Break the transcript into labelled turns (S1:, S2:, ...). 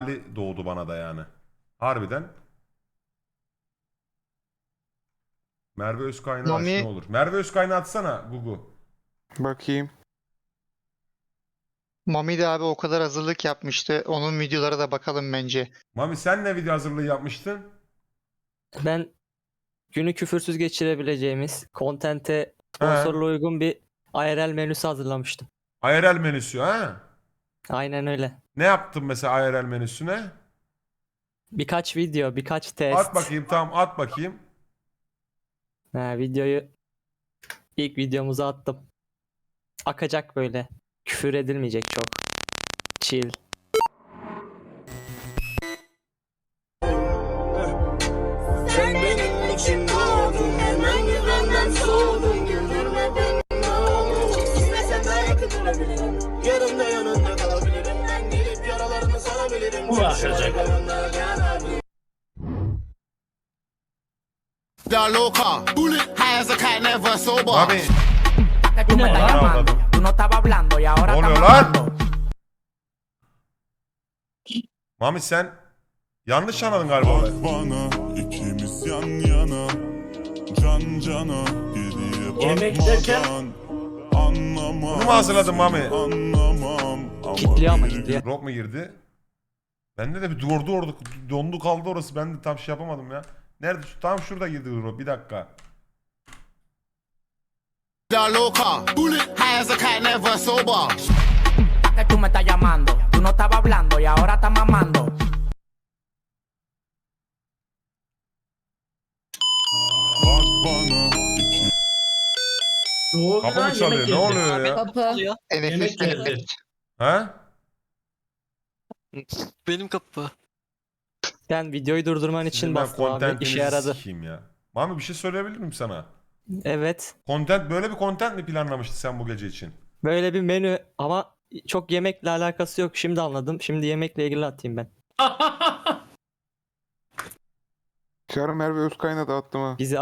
S1: doğdu bana da yani. Harbiden. Merve Özkaynağı aç ne
S2: Mami,
S1: olur. Merve Özkaynağı atsana Gugu.
S3: Bakayım.
S2: Mami de abi o kadar hazırlık yapmıştı. Onun videolara da bakalım bence.
S1: Mami sen ne video hazırlığı yapmıştın?
S4: Ben günü küfürsüz geçirebileceğimiz, kontente
S1: He.
S4: sponsorla uygun bir IRL menüsü hazırlamıştım.
S1: IRL menüsü ha?
S4: Aynen öyle.
S1: Ne yaptın mesela IRL menüsüne?
S4: Birkaç video, birkaç test.
S1: At bakayım, tamam, at bakayım.
S4: Videoyu ilk videomuza attım. Akacak böyle. Küfür edilmeyecek çok. Chill.
S5: Sen benim için doğdun, hemen güvenden soğudun. Güldürme beni ne olur. İstesem belki durabilirim. Yarın da yanında kalabilirim. Ben gelip yaralarını sarabilirim.
S6: La loca, high as a cat, never sober.
S1: Mami.
S7: Que tú me estás llamando, tú no estabas hablando y ahora
S1: Ne oluyor
S7: estás
S1: lan?
S7: hablando.
S1: Mami sen yanlış anladın galiba olayı.
S8: Bana ikimiz yan yana, can cana, geriye
S9: Yemek derken?
S8: bakmadan. Anlamam.
S1: Bunu mu hazırladın Mami?
S8: Anlamam.
S4: Kitliyor ama
S8: biri
S4: kitliyor.
S1: Rock mu girdi? Bende de bir dondu kaldı orası. Ben de tam şey yapamadım ya. Nerede? Tam şurada girdi Rock. Bir dakika.
S6: La loca, high as a cat, never sober.
S7: Que tú me estás llamando, tú no estabas hablando y ahora estás mamando.
S8: Bak bana iki
S9: Ne oldu
S1: Kapı
S9: lan?
S1: mı çalıyor?
S9: Yemek
S1: Ne
S9: geldi.
S1: oluyor ya?
S4: Kapı.
S2: Nefes
S9: geldi.
S1: Ha?
S10: Benim kapı.
S4: Ben videoyu durdurman için
S1: Sizin ben
S4: bastım abi.
S1: contentinizi
S4: İşe yaradı.
S1: sikeyim ya. Mami bir şey söyleyebilir miyim sana?
S4: Evet.
S1: Böyle bir content mi planlamıştın sen bu gece için?
S4: Böyle bir menü ama çok yemekle alakası yok. Şimdi anladım. Şimdi yemekle ilgili atayım ben.
S3: Çağrı Merve Özkaynağı da attım ha.
S4: Bizi